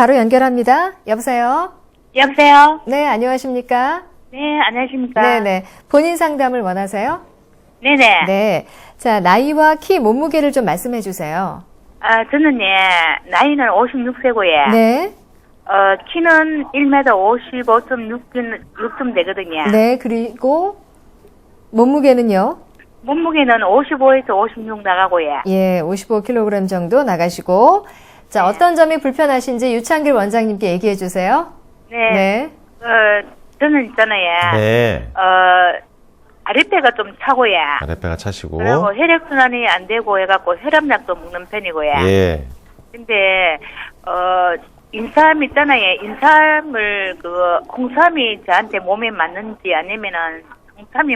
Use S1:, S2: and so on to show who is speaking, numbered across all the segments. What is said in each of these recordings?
S1: 바로 연결합니다. 여보세요?
S2: 여보세요?
S1: 네, 안녕하십니까?
S2: 네, 안녕하십니까?
S1: 네네. 본인 상담을 원하세요?
S2: 네네.
S1: 네. 자, 나이와 키, 몸무게를 좀 말씀해 주세요.
S2: 저는 나이는 56세고요.
S1: 네.
S2: 키는 1m 55.6쯤 되거든요.
S1: 네, 그리고 몸무게는요?
S2: 몸무게는 55에서 56 나가고요.
S1: 예, 55kg 정도 나가시고. 자, 어떤 점이 불편하신지 유창길 원장님께 얘기해 주세요.
S2: 네. 저는 있잖아요.
S3: 네.
S2: 아랫배가 좀 차고요.
S3: 아랫배가 차시고.
S2: 그리고 혈액순환이 안 되고 해갖고 혈압약도 먹는 편이고요.
S3: 예.
S2: 근데, 인삼 있잖아요. 인삼을, 홍삼이 저한테 몸에 맞는지 아니면은 홍삼이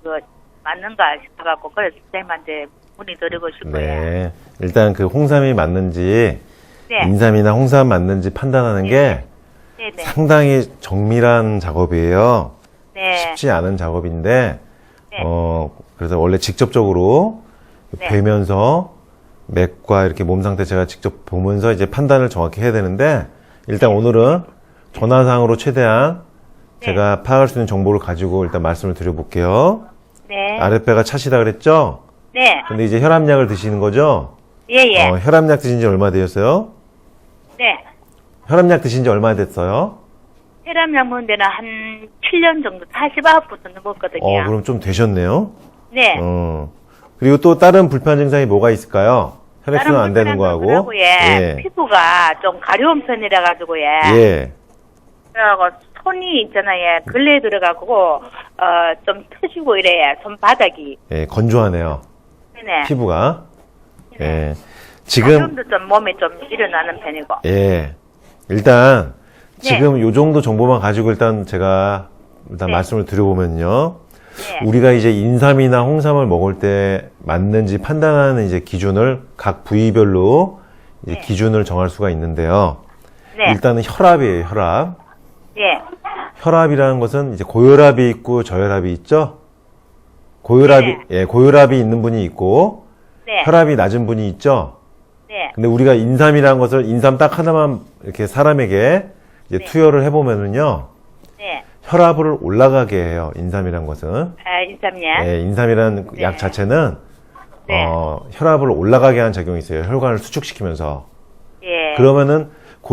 S2: 맞는가 싶어갖고, 그래서 선생님한테 문의드리고 싶어요.
S3: 네. 일단 그 홍삼이 맞는지,
S2: 네.
S3: 인삼이나 홍삼 맞는지 판단하는 게
S2: 네네.
S3: 상당히 정밀한 작업이에요.
S2: 네.
S3: 쉽지 않은 작업인데,
S2: 네.
S3: 그래서 원래 직접적으로
S2: 네.
S3: 뵈면서 맥과 이렇게 몸 상태 제가 직접 보면서 이제 판단을 정확히 해야 되는데, 일단 오늘은 전화상으로 최대한
S2: 네.
S3: 제가 파악할 수 있는 정보를 가지고 일단 말씀을 드려볼게요.
S2: 네.
S3: 아랫배가 차시다 그랬죠?
S2: 네.
S3: 근데 이제 혈압약을 드시는 거죠?
S2: 예, 예.
S3: 혈압약 드신 지 얼마 되셨어요?
S2: 네.
S3: 혈압약 드신 지 얼마 됐어요?
S2: 혈압약 먹은 데는 한 7년 정도, 49부터 넘었거든요.
S3: 그럼 좀 되셨네요?
S2: 네.
S3: 그리고 또 다른 불편 증상이 뭐가 있을까요? 혈액순환 안 되는 거하고.
S2: 예. 피부가 좀 가려운 편이라 가지고요.
S3: 예.
S2: 그래가지고 손이 있잖아요. 근래에 들어가고 좀 터지고 이래요. 손바닥이.
S3: 예, 건조하네요.
S2: 네네.
S3: 피부가. 예. 지금,
S2: 가끔도 좀 몸에 좀 일어나는 편이고.
S3: 예. 일단,
S2: 네.
S3: 지금 요 정도 정보만 가지고 일단 제가 일단
S2: 네.
S3: 말씀을 드려보면요.
S2: 네.
S3: 우리가 이제 인삼이나 홍삼을 먹을 때 맞는지 판단하는 이제 기준을 각 부위별로 이제
S2: 네.
S3: 기준을 정할 수가 있는데요.
S2: 네.
S3: 일단은 혈압이에요, 혈압.
S2: 예.
S3: 혈압이라는 것은 이제 고혈압이 있고 저혈압이 있죠? 고혈압이,
S2: 네.
S3: 예, 고혈압이 있는 분이 있고,
S2: 네.
S3: 혈압이 낮은 분이 있죠?
S2: 네.
S3: 근데 우리가 인삼이라는 것을 인삼 딱 하나만 이렇게 사람에게 이제
S2: 네.
S3: 투여를 해보면은요,
S2: 네.
S3: 혈압을 올라가게 해요, 인삼이라는 것은.
S2: 인삼약.
S3: 예, 인삼이라는
S2: 네.
S3: 약 자체는,
S2: 네.
S3: 혈압을 올라가게 하는 작용이 있어요. 혈관을 수축시키면서.
S2: 예.
S3: 그러면은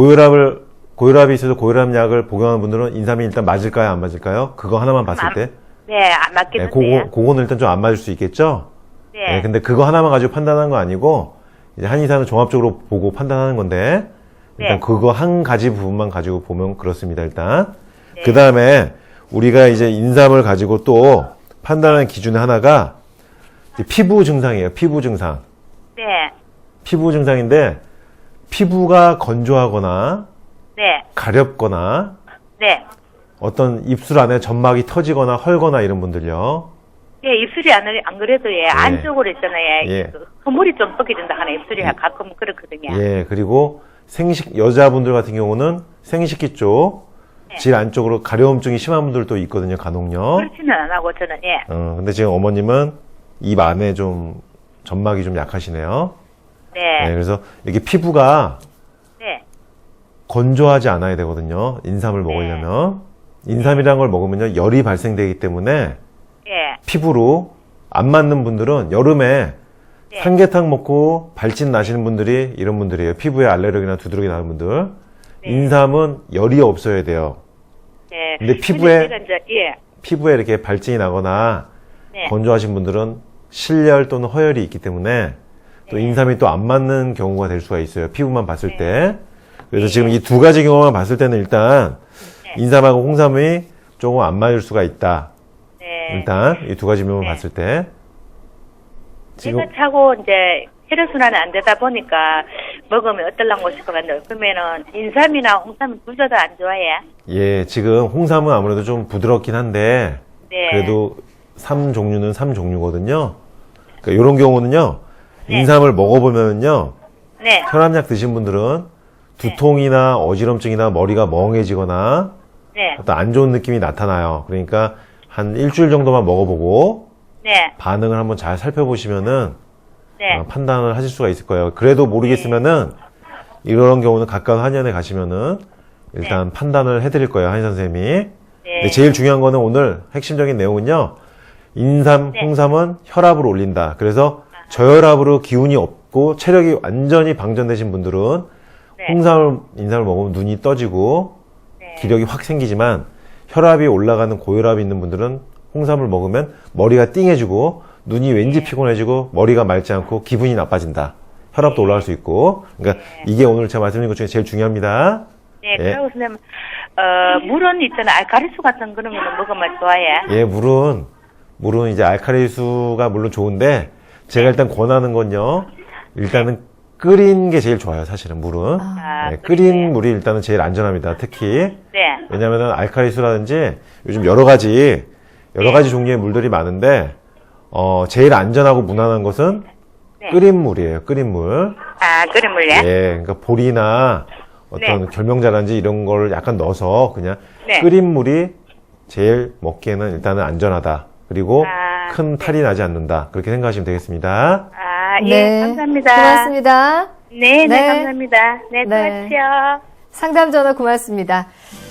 S3: 고혈압이 있어서 고혈압약을 복용하는 분들은 인삼이 일단 맞을까요, 안 맞을까요? 그거 하나만 봤을 때?
S2: 네, 안 맞겠는데요.
S3: 그거는 일단 좀 안 맞을 수 있겠죠?
S2: 네.
S3: 근데 그거 하나만 가지고 판단하는 거 아니고, 이제 한의사는 종합적으로 보고 판단하는 건데, 일단
S2: 네.
S3: 그거 한 가지 부분만 가지고 보면 그렇습니다, 일단.
S2: 네.
S3: 그 다음에 우리가 이제 인삼을 가지고 또 판단하는 기준의 하나가 이제 피부 증상이에요, 피부 증상.
S2: 네.
S3: 피부 증상인데, 피부가 건조하거나,
S2: 네.
S3: 가렵거나,
S2: 네.
S3: 어떤 입술 안에 점막이 터지거나 헐거나 이런 분들요.
S2: 예, 입술이 안 그래도 안쪽으로 있잖아요.
S3: 예.
S2: 허물이 좀 벗겨진다 하는 입술이 가끔 그렇거든요.
S3: 예, 그리고 여자분들 같은 경우는 생식기 쪽,
S2: 네.
S3: 질 안쪽으로 가려움증이 심한 분들도 있거든요, 간혹요.
S2: 그렇지는 안 하고 저는 예.
S3: 근데 지금 어머님은 입 안에 좀 점막이 좀 약하시네요.
S2: 네.
S3: 네, 그래서 이게 피부가
S2: 네.
S3: 건조하지 않아야 되거든요, 인삼을 먹으려면. 인삼이라는 걸 먹으면요, 열이 발생되기 때문에
S2: 예.
S3: 피부로 안 맞는 분들은 여름에
S2: 네.
S3: 삼계탕 먹고 발진 나시는 분들이 이런 분들이에요. 피부에 알레르기나 두드러기 나는 분들.
S2: 네.
S3: 인삼은 열이 없어야 돼요.
S2: 네.
S3: 근데 피부에
S2: 제가 이제 예.
S3: 피부에 이렇게 발진이 나거나
S2: 네.
S3: 건조하신 분들은 실열 또는 허열이 있기 때문에 또
S2: 네.
S3: 인삼이 또 안 맞는 경우가 될 수가 있어요. 피부만 봤을
S2: 네.
S3: 때. 그래서 지금 이 두 가지 경우만 봤을 때는 일단
S2: 네.
S3: 인삼하고 홍삼이 조금 안 맞을 수가 있다.
S2: 네.
S3: 일단 이 두 가지 면만
S2: 네.
S3: 봤을 때 지금
S2: 제가 차고 이제 혈액순환이 안 되다 보니까 먹으면 어떨랑고 싶어가지고 그러면은 인삼이나 홍삼은 둘 다 안 좋아해.
S3: 예, 지금 홍삼은 아무래도 좀 부드럽긴 한데
S2: 네.
S3: 그래도 3종류는 3종류거든요. 그러니까 이런 경우는요.
S2: 네.
S3: 인삼을 먹어보면요.
S2: 네.
S3: 혈압약 드신 분들은 두통이나 어지럼증이나 머리가 멍해지거나
S2: 네.
S3: 어떤 안 좋은 느낌이 나타나요. 그러니까 한 일주일 정도만 먹어보고
S2: 네.
S3: 반응을 한번 잘 살펴보시면은
S2: 네.
S3: 판단을 하실 수가 있을 거예요. 그래도 모르겠으면은 이런 경우는 가까운 한의원에 가시면은 일단 판단을 해드릴 거예요, 한의 선생님이.
S2: 네.
S3: 근데 제일 중요한 거는 오늘 핵심적인 내용은요. 인삼, 홍삼은 혈압을 올린다. 그래서 저혈압으로 기운이 없고 체력이 완전히 방전되신 분들은 홍삼을, 인삼을 먹으면 눈이 떠지고 기력이 확 생기지만 혈압이 올라가는 고혈압이 있는 분들은 홍삼을 먹으면 머리가 띵해지고 눈이 왠지 피곤해지고 머리가 맑지 않고 기분이 나빠진다. 혈압도 올라갈 수 있고. 그러니까 이게 오늘 제가 말씀드린 것 중에 제일 중요합니다.
S2: 네, 그리고 선생님, 물은 있잖아, 알카리수 같은 그런 거는 먹으면 좋아해.
S3: 예, 물은 이제 알칼리수가 물론 좋은데 제가 일단 권하는 건요. 일단은 끓인 게 제일 좋아요, 사실은 물은. 네, 끓인 물이 일단은 제일 안전합니다. 특히.
S2: 네.
S3: 왜냐면은 알칼리수라든지 요즘 여러 가지 종류의 물들이 많은데 제일 안전하고 무난한 것은 끓인 물이에요. 끓인 물.
S2: 아, 끓인 물이요?
S3: 예, 그러니까 보리나 어떤 결명자라든지 이런 걸 약간 넣어서 그냥 끓인 물이 제일 먹기에는 일단은 안전하다. 그리고 큰 탈이 나지 않는다. 그렇게 생각하시면 되겠습니다.
S2: 아, 예, 감사합니다.
S1: 고맙습니다.
S2: 네,
S1: 네.
S2: 감사합니다. 네,
S1: 네.
S2: 수고하십시오.
S1: 상담 전화 고맙습니다.